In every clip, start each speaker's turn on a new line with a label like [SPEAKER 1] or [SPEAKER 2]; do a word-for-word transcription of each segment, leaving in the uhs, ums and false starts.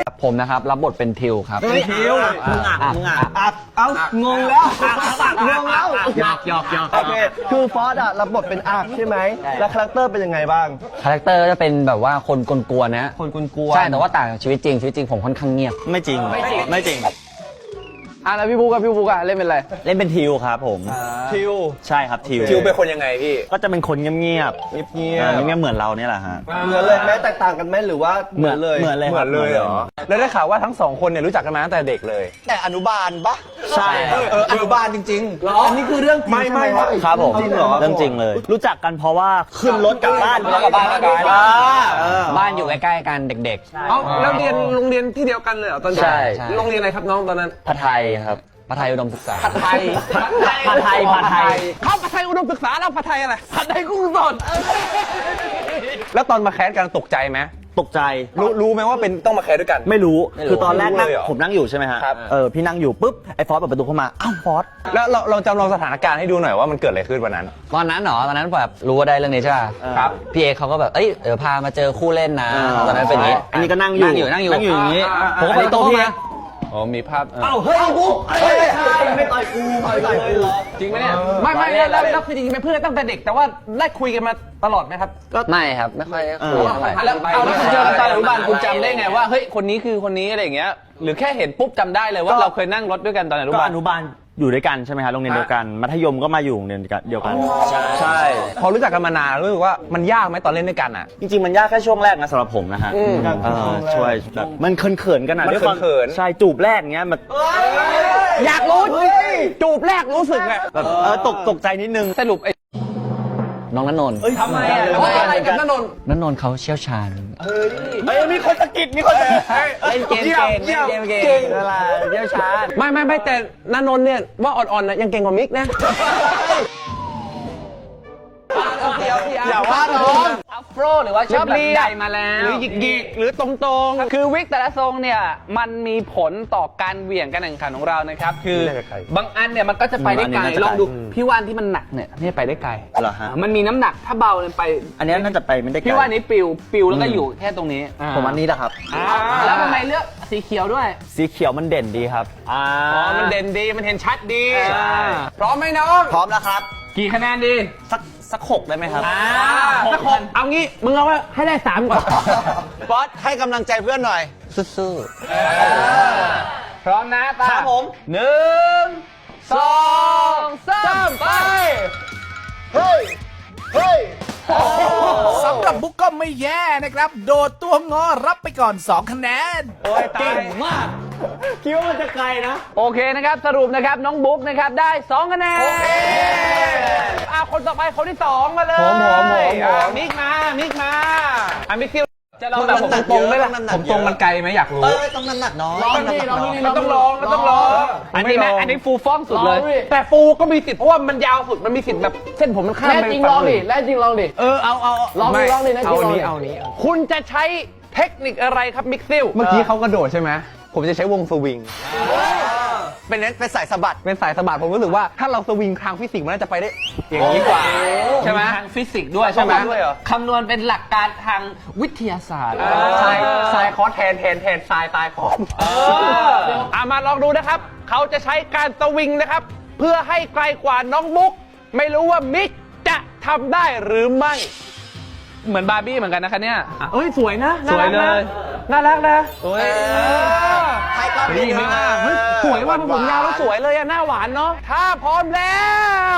[SPEAKER 1] ผมนะครับรับบทเป็นทิวครับ
[SPEAKER 2] เป็นทิวมึงอ่ะมึงอ่ะ
[SPEAKER 3] อักเอ้างงแล้วงงแล้ว
[SPEAKER 1] หยอกหยอกหยอก
[SPEAKER 3] โอเคคือฟอสอะรับบทเป็นอักใช่ไหมแล้วคาแรคเตอร์เป็นยังไงบ้าง
[SPEAKER 1] คาแรคเตอร์จะเป็นแบบว่าคนกวนๆนะ
[SPEAKER 3] คนกวนๆ
[SPEAKER 1] ใช่แต่ว่าต่างจากชีวิตจริงชีวิตจริงผมค่อนข้างเงียบ
[SPEAKER 2] ไม่จริงไม่จริงไม่จริง
[SPEAKER 1] อ่ะแล้วพี่บุ๊กกับพี่บุ๊กอะเล่นเป็นอะไร
[SPEAKER 2] เล่นเป็นทิวครับผม
[SPEAKER 3] ทิว
[SPEAKER 2] ใช่ครับทิว
[SPEAKER 4] ทิวเป็นคนยังไงพี่
[SPEAKER 2] ก็จะเป็นคนเงียบเงียบ
[SPEAKER 3] เงียบเงียบ
[SPEAKER 2] เงียบเหมือนเราเนี่ยแหละฮะ
[SPEAKER 3] เหมือนเลยแม้แตกต่างกันไหมหรือว่าเหมือนเลย
[SPEAKER 2] เหมือนเลย
[SPEAKER 4] เหมือนเลยเหรอแล้วได้ข่าวว่าทั้งสองคนเนี่ยรู้จักกันมาตั้งแต่เด็กเลย
[SPEAKER 3] แต่อนุบาลปะ
[SPEAKER 2] ใช่
[SPEAKER 4] เอออนุบาลจริงๆ
[SPEAKER 3] หรออันนี้คือเรื่องจริงไม่ไม่
[SPEAKER 2] ครับผม
[SPEAKER 3] จริงเหรอ
[SPEAKER 2] เรื่องจริงเลยรู้จักกันเพราะว่าขึ้นรถกลับบ้าน
[SPEAKER 1] แล้วกลับบ้านกันบ้านอยู่ใกล้ๆกันเด็ก
[SPEAKER 4] ๆเอ้าแล้วเรียนโรงเรียนที่เดียวกันเลยเหรอตอนเด็ก
[SPEAKER 1] ใช่
[SPEAKER 4] โรงเรียนอะไรครับน้องตอนนั้น
[SPEAKER 1] ผัดไทยครับผัดไทยอุดมศึกษา
[SPEAKER 4] ผัดไทย
[SPEAKER 2] ผัดไทยผัดไทย
[SPEAKER 4] เขาผัดไทยอุดมศึกษาแล้วผัดไทยอะไรผัดไทยกุ้งสดแล้วตอนมาแคสกันตกใจไหม
[SPEAKER 2] ตกใจ
[SPEAKER 4] รู้รู้ไหมว่าเป็นต้องมาแคสด้วยกัน
[SPEAKER 2] ไม่รู้คือตอนแรกนั่งผมนั่งอยู่ใช่ไหมฮะ
[SPEAKER 4] ครับ
[SPEAKER 2] เออพี่นั่งอยู่ปุ๊บไอ้ฟอสเปิดประตูเข้ามาอ้าวฟอส
[SPEAKER 4] แล้วเราเราจำลองสถานการณ์ให้ดูหน่อยว่ามันเกิดอะไรขึ้นวันนั้น
[SPEAKER 1] ตอนนั้นเหรอตอนนั้นแบบรู้ว่าได้เรื่องนี้ใช่ป่ะ
[SPEAKER 4] ครับ
[SPEAKER 1] พี่เอเขาก็แบบเอ้ยเดี๋ยวพามาเจอคู่เล่นนะตอนนั้นเป็นอย่างนี้
[SPEAKER 2] อันนี้ก็นั่งอยู่
[SPEAKER 1] นั่งอยู่นั่งอยู่
[SPEAKER 2] นั่งอยู่อย่างนี้ผมก็
[SPEAKER 1] ไป
[SPEAKER 2] ไป
[SPEAKER 1] โต๊ะ
[SPEAKER 2] โต๊ะพี่
[SPEAKER 1] มา
[SPEAKER 4] อ๋อมีภาพ
[SPEAKER 3] เอ้าเฮ้ยบุ๊กเฮ้ยไม่ต่อยกูไม่ต่อยกู
[SPEAKER 4] จริงไหมเนี่ยไม่ไม่แล้วแล้วคือจริงๆเป็นเพื่อนตั้งแต่เด็กแต่ว่าได้คุยกันมาตลอดไหมครับ
[SPEAKER 1] ก็ไม่ครับไม่ค่อยได้คุยเท่าไหร่
[SPEAKER 4] แล้วเอาแล้วคุณเจอกันตอนอนุบาลคุณจำได้ไงว่าเฮ้ยคนนี้คือคนนี้อะไรอย่างเงี้ยหรือแค่เห็นปุ๊บจำได้เลยว่าเราเคยนั่งรถด้วยกันตอนอนุ
[SPEAKER 2] ก็
[SPEAKER 4] บาล
[SPEAKER 2] อนุบาลอยู่ด้วยกันใช่ไหมฮะโรงเรียนเดียวกันมัธยมก็มาอยู่โรงเรียนเดียวกัน
[SPEAKER 4] ใช่พอรู้จักกันมานานรู้สึกว่ามันยากไหมตอนเล่นด้วยกันอ่ะ
[SPEAKER 2] จริงๆมันยากแค่ช่วงแรกนะสำหรับผมนะฮะช่วยแบบมันเขินๆกันนะ
[SPEAKER 4] มันเขินๆ
[SPEAKER 2] ใช่จูบแรกเงี้ยมัน
[SPEAKER 4] อยากรู้จูบแรกรู้สึกไง
[SPEAKER 2] แบบเออตกตกใจนิดนึง
[SPEAKER 4] สรุปไอ้
[SPEAKER 1] น้องณนนท์
[SPEAKER 4] ทำไมอ่ะอะไรกับณนนท์
[SPEAKER 1] ณนนท์เขาเชี่ยวชาญ
[SPEAKER 4] เฮ้ยมีคนสะกิดมีคนสะกิด
[SPEAKER 1] เล่นเกมเก่งเล่นเกมเก่งอะไรเชี่ยวชาญ
[SPEAKER 4] ไม่ไม่ไม่แต่ณนนท์เนี่ยว่าอ่อนๆนะยังเก่งกว่ามิกนะ
[SPEAKER 1] อย่าว่าน้องอัฟโรหรือว่าชอบแบบใหญ่มาแล้ว
[SPEAKER 4] หรือหยิกๆหรือตรงๆคือวิกแต่ละทรงเนี่ยมันมีผลต่อการเหวี่ยงการแข่งขันของเรานะครับคือบางอันเนี่ยมันก็จะไปได้ไกลลองดูพี่ว่านที่มันหนักเนี่ยนี่ไปได้ไกล
[SPEAKER 2] เหรอฮะ
[SPEAKER 4] มันมีน้ำหนักถ้าเบาเลยไป
[SPEAKER 2] อันนี้น่าจะไปไม่ได้ไกล
[SPEAKER 4] พี่ว่านนี้ปิวปิวแล้วก็อยู่แค่ตรงนี้
[SPEAKER 2] ผมอันนี้แหละครับ
[SPEAKER 4] แล้วทำไมเลือกสีเขียวด้วย
[SPEAKER 2] สีเขียวมันเด่นดีครับ
[SPEAKER 4] อ๋อมันเด่นดีมันเห็นชัดดีพร้อมไหมน้อง
[SPEAKER 2] พร้อมแล้วครับ
[SPEAKER 4] กี่คะแนนดี
[SPEAKER 2] สักสักหกได้ไหมครับ
[SPEAKER 4] สักหกเอางี้มึงเอาว่าให้ได้สามก่อน
[SPEAKER 2] บอสให้กำลังใจเพื่อนหน่อย
[SPEAKER 1] สู้
[SPEAKER 4] ๆพร้อมนะตา
[SPEAKER 2] ครับผม
[SPEAKER 4] หนึ่งสองสามไป
[SPEAKER 3] เฮ้ยเฮ้ย
[SPEAKER 5] สำหรับบุ๊กก็ไม่แย่นะครับโดดตัวงอรับไปก่อนสองคะแนน
[SPEAKER 4] โอ้ยเก่งมาก
[SPEAKER 2] คิดว่ามันจะไกลนะ
[SPEAKER 4] โอเคนะครับสรุปนะครับน้องบุ๊กนะครับได้สองคะแนนโอเคอ่ะคนต่อไปคนที่สองมาเลย
[SPEAKER 3] ผมผมผม
[SPEAKER 4] มิกมามิกมาอ่ะมิกคิวจะลองแบบผมตรงไหมล่ะผมตรงมันไกลไหมอยากรู้
[SPEAKER 2] เออต้องน้ำหนักน้อย
[SPEAKER 4] ลองนี่ลองนี่มันต้องลองมันต้องลองอันนี้นะอันนี้ฟูฟ้องสุดเลยแต่ฟูก็มีสิทธิ์เพราะว่ามันยาวสุดมันมีสิทธิ์แบบเส้นผมมันข้ามไป
[SPEAKER 1] จริงลองดิแล้วจริงลองดิ
[SPEAKER 4] เออเอาเอา
[SPEAKER 1] ลองดิลองดินะ
[SPEAKER 4] เอานี้เอานี้คุณจะใช้เทคนิคอะไรครับมิกซิลเมื่อกี้เขากระโดดใช่ไหมผมจะใช้วงสวิง
[SPEAKER 2] เป็นเน้นเป็นสายสะบัด
[SPEAKER 4] เป็นสายสะบัดผมรู้สึกว่าถ้าเราสวิงทางฟิสิกส์มันน่าจะไปได้อย่างนี้กว่าใช่ไหมทางฟิสิกส์ด้วยใช่ไหมคำนวณเป็นหลักการทางวิทยาศาสตร์ทรายทรายคอสแทนแทนแทนทรายตายคอสอ่ะมาลองดูนะครับเขาจะใช้การสวิงนะครับเพื่อให้ไกลกว่าน้องบุ๊กไม่รู้ว่ามิกจะทำได้หรือไม่เหมือนบาร์บี้เหมือนกันนะคะเนี่ยเอ้ยสวยนะสวยเลยน่ารักนะโอ้ย
[SPEAKER 2] ใครก็ดีมาก
[SPEAKER 4] เฮ้ยสวยว่าผมยาวแล้วสวยเลยอะหน้าหวานเนาะถ้าพร้อมแล้ว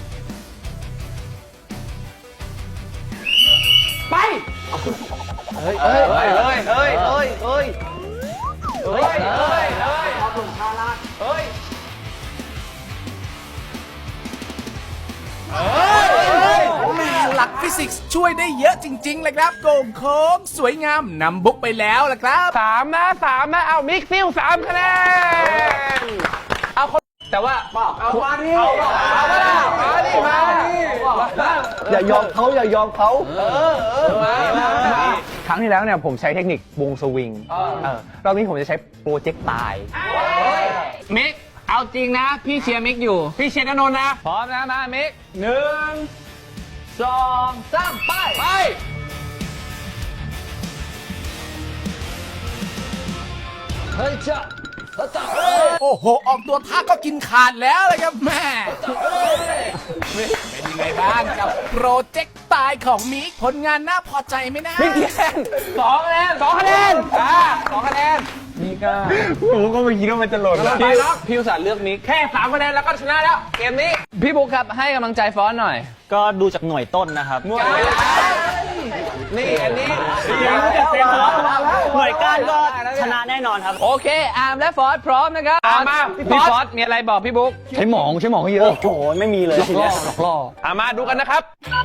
[SPEAKER 4] ไปเฮ้ยเฮ้ยเฮ้ยเฮ้ยเฮ้ยเฮ้ยเฮ้ยเฮ้ยเฮ้ยเฮ้ยขอบคุณชาลาเฮ้ย
[SPEAKER 5] หลักฟิสิกส์ช่วยได้เยอะจริงๆเลยครับโก่งโค้งสวยงามนำบุ๊กไปแล้วล่ะครับ
[SPEAKER 4] สามนะสามนะเอามิกซิลสามคะแนนเอาคนแต่ว่าเอามาดิเอามาดิมาดิ
[SPEAKER 3] อย่ายอมเขาอย่ายอมเขา
[SPEAKER 4] เออเออมาครั้งที่แล้วเนี่ยผมใช้เทคนิควงสวิงเออรอบนี้ผมจะใช้โปรเจกต์ตายมิกเอาจริงนะพี่เชียร์มิกอยู่พี่เชียร์ณนนท์นะพร้อมนะมามิกหนึ่งสองสามไปไป
[SPEAKER 1] เฮ้ยจ้ะ
[SPEAKER 5] โอ้โห ออกตัวท่าก็กินขาดแล้วเลยครับแม่เป็นยังไงบ้างกับโปรเจกต์ตายของมิกผลงานน่าพอใจไหมนะ
[SPEAKER 4] มิกกี่คะแนนสองคะแนนสองคะแนนอ่าสองคะแนนนี่ก็ผมก็ไม่คิดว่ามันจะหล่นแล้วพี่พี่อุตส่าห์เลือกมิกแค่สามคะแนนแล้วก็ชนะแล้วเกมนี้พี่บุ๊คครับให้กำลังใจฟอนต์หน่อย
[SPEAKER 2] ก็ดูจากหน่วยต้นนะครับ
[SPEAKER 4] นี่อันนี้
[SPEAKER 2] หน่วยก้านก็ชนะแน่นอนครับ
[SPEAKER 4] โอเคอาร์มและฟอสพร้อมนะครับอาร์มมาพี่ฟอสมีอะไรบอกพี่บุ๊คใช้หมองใช้หมองเยอะ
[SPEAKER 2] โอ้โหไม่มีเลยทีเนี้ย
[SPEAKER 4] หลอกล่ออามาดูกันนะครับ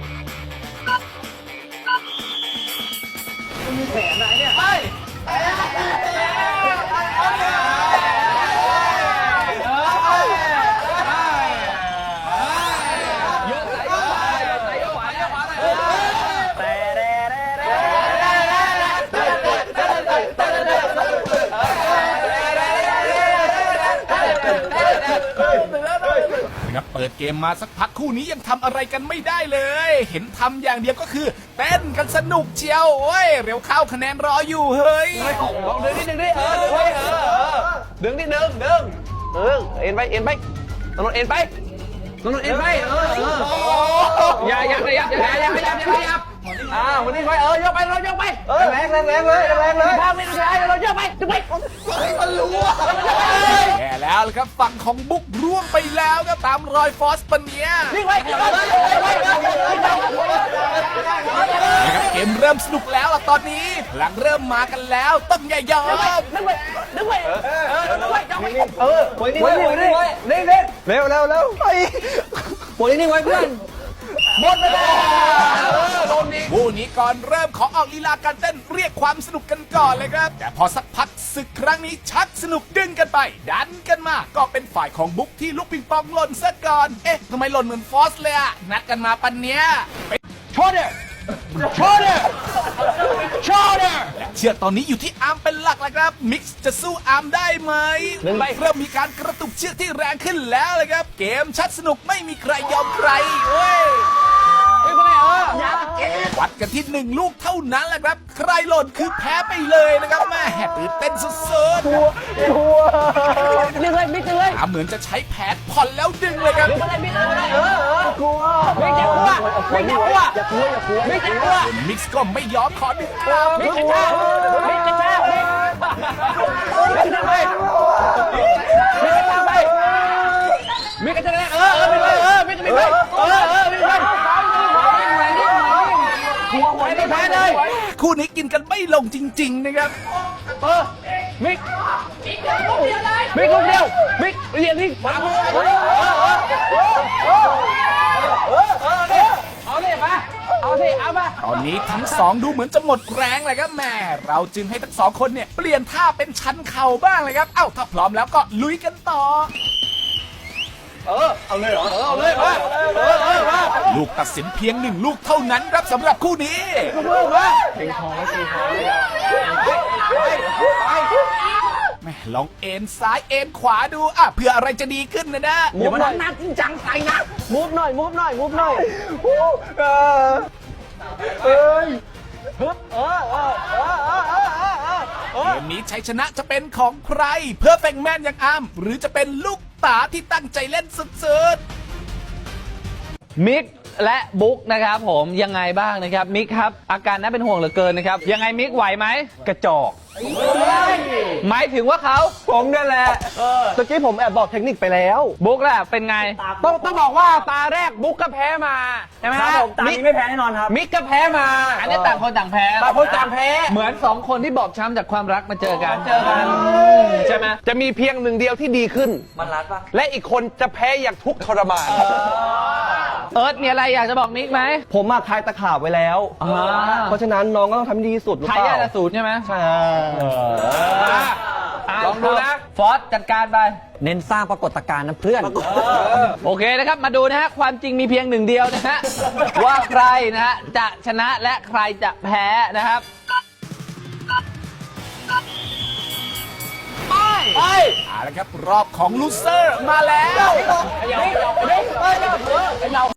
[SPEAKER 5] ครับเปิดเกมมาสักพักคู่นี้ยังทำอะไรกันไม่ได้เลย เห็นทำอย่างเดียวก็คือเต้นกันสนุกเชียวโอ้ยเร็วเข้าคะแนนรออยู่เฮ้ย
[SPEAKER 4] ลองดึงนิดดึงดิเออดึงดิเออดึงนิดดึงดึงเออเอ็นไปเอ็นไปตนนเอ็นไปตนนเอ็นไปเออเอออย่าอย่าขยับอย่าอย่าขยับอย่าขยับอ่าวันนี้ไปเออยกไปเรายกไปแรงแรงแรงเลยแรงเลยภาพไม่ได้เรายกไปยกไปมันรู้ว่า
[SPEAKER 5] แย่แล้วล่ะครับฝั่งของบุ๊กร่วงไปแล้วครับตามรอยฟอสปันเนียนะครับเกมเริ่มสนุกแล้วล่ะตอนนี้พลังเริ่มมากันแล้วต้องอย่ายอม
[SPEAKER 4] ดึงไปดึงไปเออดึงไปจับไปเออปล่อยนิ่งไว้ปล่อยนิ่งไว้นิ่งๆเร็วเร็วเร็วไปปล่อยนิ่งไว้เพื่อนหมดเวลาโดนดิ
[SPEAKER 5] คู่นี้ก่อนเริ่มขอออกลีลาการเต้นเรียกความสนุกกันก่อนเลยครับแต่พอสักพักศึกครั้งนี้ชักสนุกดึงกันไป ดันกันมาก็เป็นฝ่ายของบุ๊กที่ลูกปิงปองหล่นซะก่อนเอ๊ะทำไมหล่นเหมือนฟอสเลยอะนัดกันมาปันเนี้ย
[SPEAKER 4] ชอเดอร์ชอเดอร์ชอเดอร์
[SPEAKER 5] และเชือกตอนนี้อยู่ที่อาร์มเป็นหลักแล้วครับมิกซ์จะสู้อาร์มได้ไหมเริ่มมีการกระตุกเชือกที่แรงขึ้นแล้วเลยครับเกมชัดสนุกไม่มีใครยอมใครเว้ยวัดกันที่หนึ่งลูกเท่านั้นแหละครับใครหล่นคือแพ้ไปเลยนะครับแม่ตื่นเต้นสุดๆ
[SPEAKER 4] ดึงเลยมิกดึงเลย
[SPEAKER 5] อาเหมือนจะใช้แผนผ่อนแล้วดึงเลยครับ
[SPEAKER 4] ดึงอะไรมิกดึงอะไรเออเออกลัวมิกจะกลัวมิกจะกลัวอย่ากลัวอย่ากลัวมิกจะกลัว
[SPEAKER 5] มิกซ์ก็ไม่ยอมขอดึงกลับ
[SPEAKER 4] มิกจะช้ามิกจะช้ามิกมิกจะไปมิกจะไปมิกจะไปเออเออมิกไปเออมิกจะไปเออเออมิกไปหัวหัวไม่แพ้เลย
[SPEAKER 5] คู่นี้กินกันไม่ลงจริงๆนะครับ
[SPEAKER 4] เออมิกมิกลูกเดียวมิกเรียนที่ขวามือเออเออเออเออเออเอาดิมาเอาสิเอามา
[SPEAKER 5] ตอนนี้ทั้งสองดูเหมือนจะหมดแรงเลยครับแม่เราจึงให้ทั้งสองคนเนี่ยเปลี่ยนท่าเป็นชันเข่าบ้างเลยครับเอ้าถ้าพร้อมแล้วก็ลุยกันต่อ
[SPEAKER 4] เออเอาเลยเหรอเออเอาเลยมาเออเออมา
[SPEAKER 5] ลูกตัดสินเพียงหนึ่งลูกเท่านั้นครับสำหรับคู่นี้
[SPEAKER 4] ลูกมาเก่งคอไม่เก่งคอไป
[SPEAKER 5] แม่ลองเอ็นซ้ายเอ็นขวาดูอ่ะเพื่ออะไรจะดีขึ้นนะนะ
[SPEAKER 4] อย่ามาหน้าจริงจังใส่นะมูฟหน่อยมูฟหน่อยมูฟหน่อยเออเอ้ยฮึบเออเออเออเออเออเออ
[SPEAKER 5] เกมนี้ชัยชนะจะเป็นของใคร เพื่อแฟงแมนอย่างอาร์มหรือจะเป็นลูกตาที่ตั้งใจเล่นสุดๆ
[SPEAKER 4] มิกและบุ๊กนะครับผมยังไงบ้างนะครับมิกครับอาการน่าเป็นห่วงเหลือเกินนะครับยังไงมิกไหวไหมกระจอกหมายถึงว่าเขาผมนั่นแหละ
[SPEAKER 3] ตะกี้ผมแอบบอกเทคนิคไปแล้ว
[SPEAKER 4] บุ๊กแหละเป็นไงต้องต้องบอกว่าตาแรกบุ๊กก็แพ้มาใช่ไหม
[SPEAKER 2] ครับผมตามนี้ไม่แพ้แน่นอนครับ
[SPEAKER 4] มิกก็แพ้มาอันนี้ต่างคนต่างแพ้ต่างคนต่างแพ้เหมือนสองคนที่บอบช้ำจากความรักมาเจอกันเจอกันใช่ไหมจะมีเพียงหนึ่งเดียวที่ดีขึ้น
[SPEAKER 2] มันรัดปะ
[SPEAKER 4] และอีกคนจะแพ้อย่างทุกข์ทรมานเอิร์ธมีอะไรอยากจะบอกมิกไหม
[SPEAKER 3] ผมมาทายตะขาบไว้แล้ว
[SPEAKER 4] อ่า
[SPEAKER 3] เพราะฉะนั้นน้องก็ต้องทำให้ดีที่สุดหรือ
[SPEAKER 4] ทา
[SPEAKER 3] เป
[SPEAKER 4] ยา
[SPEAKER 3] ล่า
[SPEAKER 4] ทสูตรใช่ไหม
[SPEAKER 3] ใช่
[SPEAKER 4] ลองดูนะฟอสจัดการไป
[SPEAKER 1] เน้นสร้างปรากฏการณ์นะเพื่อน
[SPEAKER 4] โอเคนะครับมาดูนะฮะความจริงมีเพียงหนึ่งเดียวนะฮะ ว่าใครนะฮะจะชนะและใครจะแพ้นะครับไปไป
[SPEAKER 5] เอาละครับรอบของลูเซอร์มาแล้ว
[SPEAKER 4] เรา